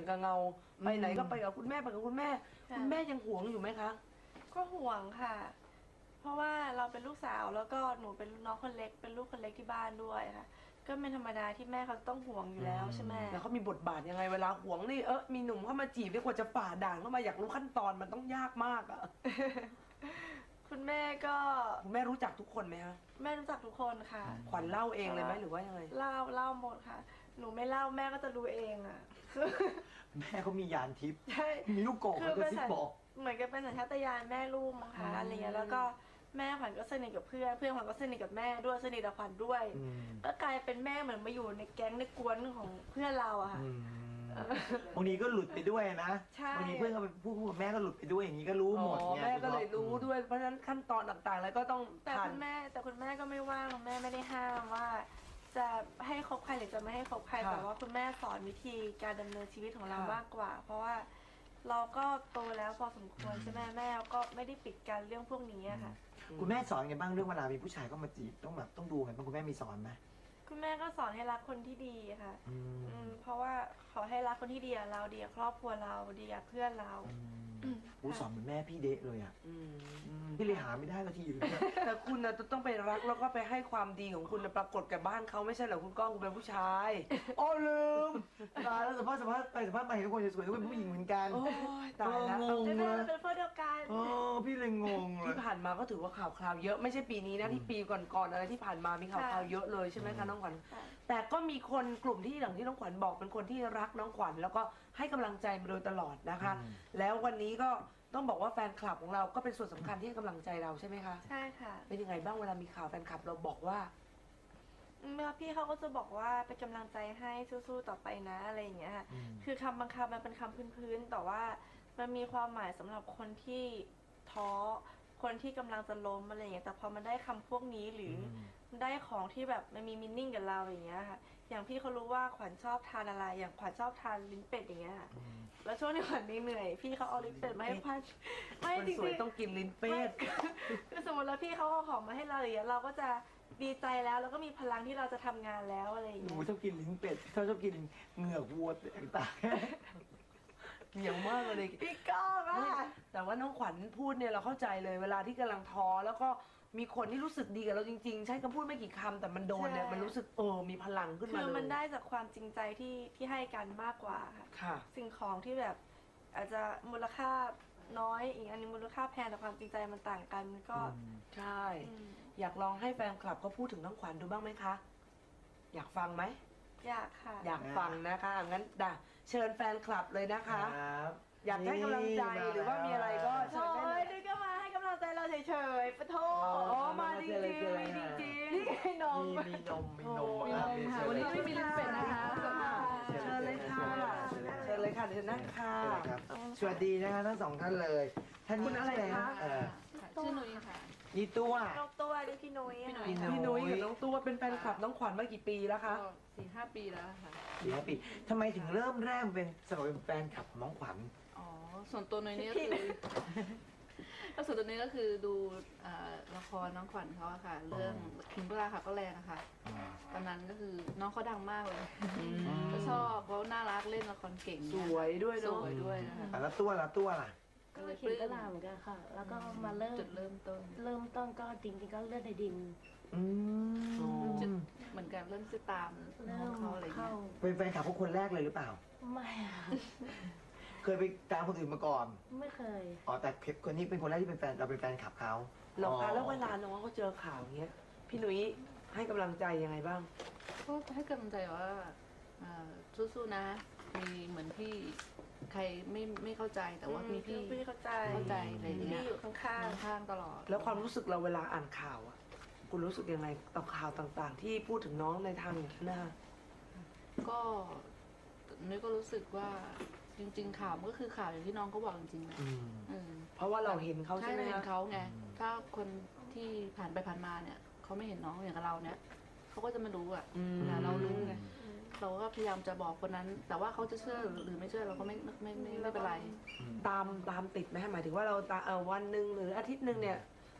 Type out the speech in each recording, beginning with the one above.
กับเงาไปไหนก็ไปกับคุณแม่ไปกับคุณแม่คุณแม่ยังหวงอยู่ไหมคะก็ห่วงค่ะเพราะว่าเราเป็นลูกสาวแล้วก็หนูเป็นน้องคนเล็กเป็นลูกคนเล็กที่บ้านด้วยค่ะก็เป็นธรรมดาที่แม่เขาต้องห่วงอยู่แล้วใช่ไหมแล้วเขามีบทบาทยังไงเวลาห่วงนี่มีหนุ่มเข้ามาจีบดีกว่าจะฝ่าด่านเข้ามาอยากรู้ขั้นตอนมันต้องยากมากอะคุณแม่ก็คุณแม่รู้จักทุกคนไหมคะแม่รู้จักทุกคนค่ะขวัญเล่าเองเลยไหมหรือว่ายังไงเล่าหมดค่ะหนูไม่เล่าแม่ก็จะรู้เองอะแม่เขามียานทิพย์ใช่มีลูกโกงก็ซิบบอกเหมือนกับเป็นสัญชาตญาณแม่ลูกมั้งคะอะไรเงี้ยแล้วก็แม่ขวัญก็สนิทกับเพื่อนขวัญก็สนิทกับแม่ด้วยสนิทกับขวัญด้วยก็กลายเป็นแม่เหมือนมาอยู่ในแก๊งในกวนของเพื่อนเราอะค่ะบางทีก็หลุดไปด้วยนะบางทีเพื่อนก็ไปพูดกับแม่ก็หลุดไปด้วยอย่างนี้ก็รู้หมดแม่ก็เลยรู้ด้วยเพราะฉะนั้นขั้นตอนต่างๆแล้วก็ต้องแต่คุณแม่ก็ไม่ว่างแม่ไม่ได้ห้ามว่าจะให้คบใครหรือจะไม่ให้คบใครแต่ว่าคุณแม่สอนวิธีการดำเนินชีวิตของเรามากกว่าเพราะว่าเราก็โตแล้วพอสมควรใช่ไหมแม่ก็ไม่ได้ปิดการเรื่องพวกนี้ค่ะคุณแม่สอนไงบ้างเรื่องเวลามีผู้ชายเข้ามาจีบต้องดูไงบ้างคุณแม่มีสอนไหมคุณแม่ก็สอนให้รักคนที่ดีค่ะเพราะว่าขอให้รักคนที่ดีกับเราดีกับครอบครัวเราดีกับเพื่อนเราสอนเหมือนแม่พี่เดะเลยอ่ะพี่เลยหาไม่ได้สักทีอยู่เนี่ยแต่คุณนะต้องไปรักแล้วก็ไปให้ความดีของคุณปรากฏกับบ้านเขาไม่ใช่เหรอคุณก้องคุณเป็นผู้ชายอ๋อลืมตายแล้วสัมภาษณ์มาเห็นคนสวยๆก็เป็นผู้หญิงเหมือนกันโอ้ยตายแล้วงงเลยเป็นเพื่อนเดียวกันพี่เลยงงเลยที่ผ่านมาก็ถือว่าข่าวคราวเยอะไม่ใช่ปีนี้นะที่ปีก่อนๆอะไรที่ผ่านมามีข่าวคราวเยอะเลยใช่ไหมคะน้องขวัญแต่ก็มีคนกลุ่มที่อย่างที่น้องขวัญบอกเป็นคนที่รักน้องขวัญแล้วก็ให้กำลังใจมาโดยตลอดนะคะแล้ววันนี้ก็ต้องบอกว่าแฟนคลับของเราก็เป็นส่วนสำคัญที่ให้กำลังใจเราใช่ไหมคะใช่ค่ะเป็นยังไงบ้างเวลามีข่าวแฟนคลับเราบอกว่าพี่เขาก็จะบอกว่าเป็นกำลังใจให้สู้ๆต่อไปนะอะไรอย่างเงี้ยค่ะคือคำบางคำมันเป็นคำพื้นๆแต่ว่ามันมีความหมายสำหรับคนที่ท้อคนที่กำลังจะล้มอะไรอย่างเงี้ยแต่พอมันได้คำพวกนี้หรือได้ของที่แบบมันมีมินนิ่งกับเราอย่างเงี้ยค่ะอย่างพี่เขารู้ว่าขวัญชอบทานอะไรอย่างขวัญชอบทานลิ้นเป็ดอย่างเงี้ยค่ะแล้วช่วงที่ขวัญเหนื่อยพี่เขาเอาลิ้นเป็ดมาให้พันไม่จริงๆต้องกินลิ้นเป็ดคือสมมติแล้วพี่เขาเอาของมาให้เราอย่างเงี้ยเราก็จะดีใจแล้วแล้วก็มีพลังที่เราจะทำงานแล้วอะไรอย่างเงี้ยชอบกินลิ้นเป็ดชอบกินเหงือกวัวต่างเหนียวมากเลยพี่ก้องอะแต่ว่าน้องขวัญพูดเนี่ยเราเข้าใจเลยเวลาที่กำลังท้อแล้วก็มีคนที่รู้สึกดีกับเราจริงๆใช้คำพูดไม่กี่คำแต่มันโดนเนี่ยมันรู้สึกมีพลังขึ้นมาเลยคือมันได้จากความจริงใจที่ให้กันมากกว่าค่ะสิ่งของที่แบบอาจจะมูลค่าน้อยอีกอันนึงมูลค่าแพงแต่ความจริงใจมันต่างกันก็ใช่อยากลองให้แฟนคลับเขาพูดถึงน้องขวัญดูบ้างไหมคะอยากฟังไหมอยากค่ะอยากฟังนะคะงั้นเชิญแฟนคลับเลยนะคะอยากให้กำลังใจหรือว่ามีอะไรก็เชิญได้เลยนี่ก็มาให้กำลังใจเราเฉยๆปะโถมาจริงๆจริงๆนี่ไงนมมีนมวันนี้ไม่มีลิ้นเป็ดนะคะเชิญเลยค่ะเชิญเลยค่ะเชิญนั่งค่ะสวัสดีนะคะทั้งสองท่านเลยท่านคุณอะไรคะชื่อนุ้ยค่ะนี่ตัวน้องตัวนี่พี่นุ้ยพี่นุ้ยกับน้องตัวเป็นแฟนคลับน้องขวัญมากี่ปีแล้วคะ 4-5 ปีแล้วค่ะ 4-5 ปีทำไมถึงเริ่มแรกเป็นสมัยเป็นแฟนคลับของน้องขวัญส่วนตัวนุ้ยนี่ก็คือส่วนตัวนี้ก็คือดูละครน้องขวัญเขาอะค่ะเรื่องคิงเบอร์ค่ะก็แรงอะค่ะตอนนั้นก็คือน้องเขาดังมากเลยก็ชอบเขาน่ารักเล่นละครเก่งสวยด้วยสวยด้วยนะคะแล้วตัวล่ะก็เขียนตลาดเหมือนกันค่ะแล้วก็มาเริ่มจุดเริ่มต้นก็จริงๆก็เลือดในดินจุดเหมือนกันเริ่มจะตามน้องเขาอะไรเงี้ยเป็นแฟนคลับพวกคนแรกเลยหรือเปล่าไม่เคยไปตามคนอื่นมาก่อนไม่เคยแต่คนนี้เป็นคนแรกที่เป็นแฟนเราเป็นแฟนคลับเขาหรอคะแล้วเวลาน้องเขาเจอข่าวอย่างเงี้ยพี่นุ้ยให้กำลังใจยังไงบ้างก็ให้กำลังใจว่าสู้ๆนะมีเหมือนพี่ใครไม่เข้าใจแต่ว่ามีพี่เข้าใจอะไรอย่างเงี้ยอยู่ข้างตลอดแล้วความรู้สึกเราเวลาอ่านข่าวอ่ะคุณรู้สึกยังไงต่อข่าวต่างๆที่พูดถึงน้องในทางอย่างนั้นนะคะก็นุ้ยก็รู้สึกว่าจริงๆข่าวมันก็คือข่าวอย่างที่น้องเขาบอกจริงๆนะเพราะว่าเราเห็นเขาใช่ไหมเห็นเขาไงถ้าคนที่ผ่านไปผ่านมาเนี่ยเขาไม่เห็นน้องอย่างกับเราเนี่ยเขาก็จะไม่รู้อ่ะเรารู้ไงเราก็พยายามจะบอกคนนั้นแต่ว่าเขาจะเชื่อหรือไม่เชื่อเราก็ไม่เป็นไรตามติดไหมหมายถึงว่าเราวันหนึ่งหรืออาทิตย์หนึ่งเนี่ย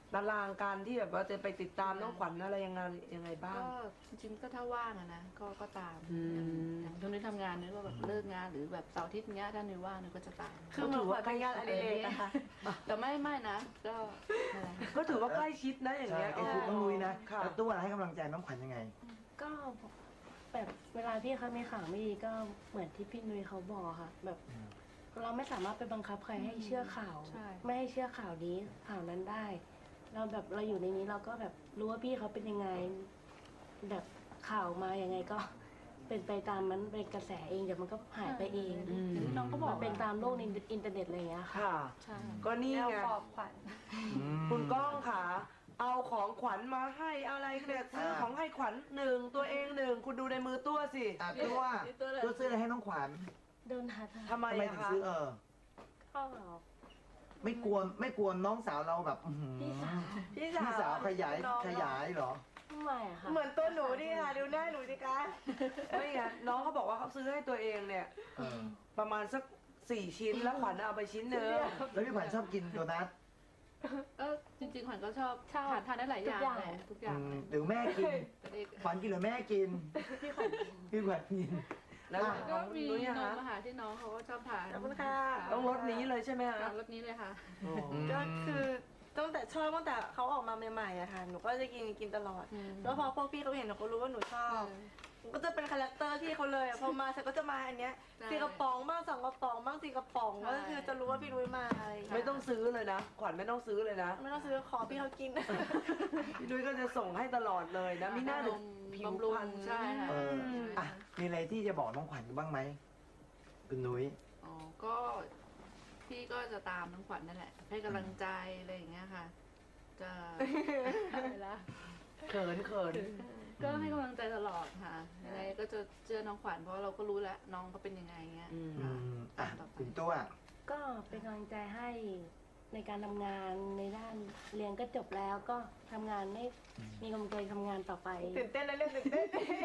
ตารางการที่แบบว่าจะไปติดตามน้องขวัญอะไรยังไงบ้างก็จริงๆก็ถ้าว่างอะนะก็ตามอืมอย่างตอนนี้ทำงานเนี่ยก็แบบเลิกงานหรือแบบเสาร์อาทิตย์เงี้ยถ้านุ้ยว่างนุ้ยก็จะตามคือเหมือนขวัญเป็นงานอดิเรกนะคะแต่ไม่นะก็นั่นแหละก็ถือว่าใกล้ชิดนะอย่างใช่เงี้ยก็คือน้องนุ้ยนะค่ะแล้วตัวให้กำลังใจน้องขวัญยังไงก็แบบเวลาพี่เขามีข่าวไม่ดีก็เหมือนที่พี่นุ้ยเขาบอกค่ะ แบบอืมเราไม่สามารถไปบังคับใครให้เชื่อข่าวใช่ไม่ให้เชื่อข่าวนี้ข่าวนั้นได้ เราแบบเราอยู่ในนี้เราก็แบบรู้ว่าพี่เขาเป็นยังไง แบบข่าวมายังไงก็ เป็นไปตามมันเป็นกระแสเองเดี๋ยวมันก็หายไปเองอืมน้องก็บอกมันเป็นตามโลกในอินเทอร์เน็ตอะไรอย่างเงี้ยค่ะค่ะใช่ก็นี่แนวไงปลอบขวัญคุณก้องค่ะ เอาของขวัญมาให้อะไรเนี่ยซื้อของให้ขวัญหนึ่งตัวเองหนึ่งคุณดูในมือตัวสิอ่ะตัวตัวซื้ออะไรให้น้องขวัญโดนหัดทำไมทำไมอะถึงคะซื้อก็ไม่กลัวน้องสาวเราแบบอื้อหือพี่สาวพี่พี่สาวขยายเหรอไม่อะค่ะเหมือนตัวหนูดิค่ะดูหน้าหนูดิคะไม่ไงน้องเขาบอกว่าเขาซื้อให้ตัวเองเนี่ยเออประมาณสัก4 ชิ้นแล้วขวัญเอาไปชิ้นหนึ่งแล้วพี่ขวัญชอบกินโดนัทจริงๆขวัญก็ชอบทานได้หลายอย่างแหละทุกอย่างหรือแม่กินแต่เด็กขวัญกินหรือแม่กินพี่ขวัญพี่ขวัญกินแล้วอ่ะขก็องมีนุ้ยนอะมคะอาหารที่น้องเขาก็ชอบทานขอบคุณค่ะต้องรสนี้เลยใช่ไหมคะรสนี้เลยค่ะโอ้ก็คือตั้งแต่เขาออกมาใหม่ๆอะค่ะ หนูก็จะกินตลอด แล้วพอพวกพี่เขาเห็นเขารู้ว่าหนูชอบหนูก็จะเป็นคาแรคเตอร์พี่เขาเลยอะพอมาฉันก็จะมาอันเนี้ยใช่ 4 กระป๋องบ้าง2 กระป๋องบ้าง4 กระป๋องก็คือจะรู้ว่าพี่นุ้ยมาอะไรอย่างไม่เงี้ยต้องซื้อเลยนะ ขวัญไม่ต้องซื้อเลยนะไม่ต้องซื้อขอพี่เขากินพี่นุ้ยก็จะส่งให้ตลอดเลยนะมีหน้าหนูผิวบำรุงพรรณใช่ค่ะเอออ่ะมีอะไรที่จะบอกน้องขวัญบ้างไหมคุณนุ้ยอ๋อก็พี่ก็จะตามน้องขวัญนั่นแหละ ให้กำลังใจอะไรอย่างเงี้ยค่ะ จะอะไรละเขินก็ให้กำลังใจตลอดค่ะยังไงก็จะเจอน้องขวัญเพราะเราก็รู้แล้วน้องเขาเป็นยังไงเงี้ยอืมอืมอ่ะคุณตัวก็เป็นกำลังใจให้ในการทำงานในด้านเรียนก็จบแล้วก็ทำงานให้มีกำลังใจทำงานต่อไปตื่นเต้นนะเรื่องตื่นเต้น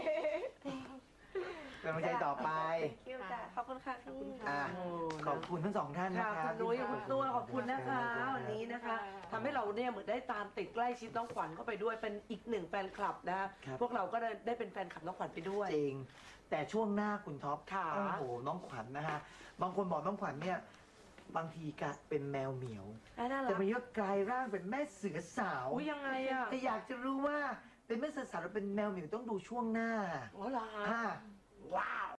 เป็นกำลังใจต่อไป Thank you จ้ะขอบคุณค่ะพี่อ่ะโอ้ขอบคุณทั้งสองท่านนะค่ะครัคุบณนุ้ยกับคุณตัวขอบคุณนะคะวันนี้นะคะทำให้เราเนี่ยเหมือนได้ตามติดใกล้ชิดน้องขวัญเข้าไปด้วยเป็นอีกหนึ่งแฟนคลับนะพวกเราก็ได้เป็นแฟนคลับน้องขวัญไปด้วยจริง แต่ช่วงหน้าคุณท็อปค่ะโอ้โหน้องขวัญนะฮะบางคนบอกน้องขวัญเนี่ยบางทีกะเป็นแมวเหมียวน่ารัแต่กมันก็กลายร่างเป็นแม่เสือสาวอุ้ยยังไงอ่ะแต่อยากจะรู้ว่าเป็นแม่เสือสาวหรือเป็นแมวเหมียวต้องดูช่วงหน้าอ๋อเหรอคะอ่าว้าว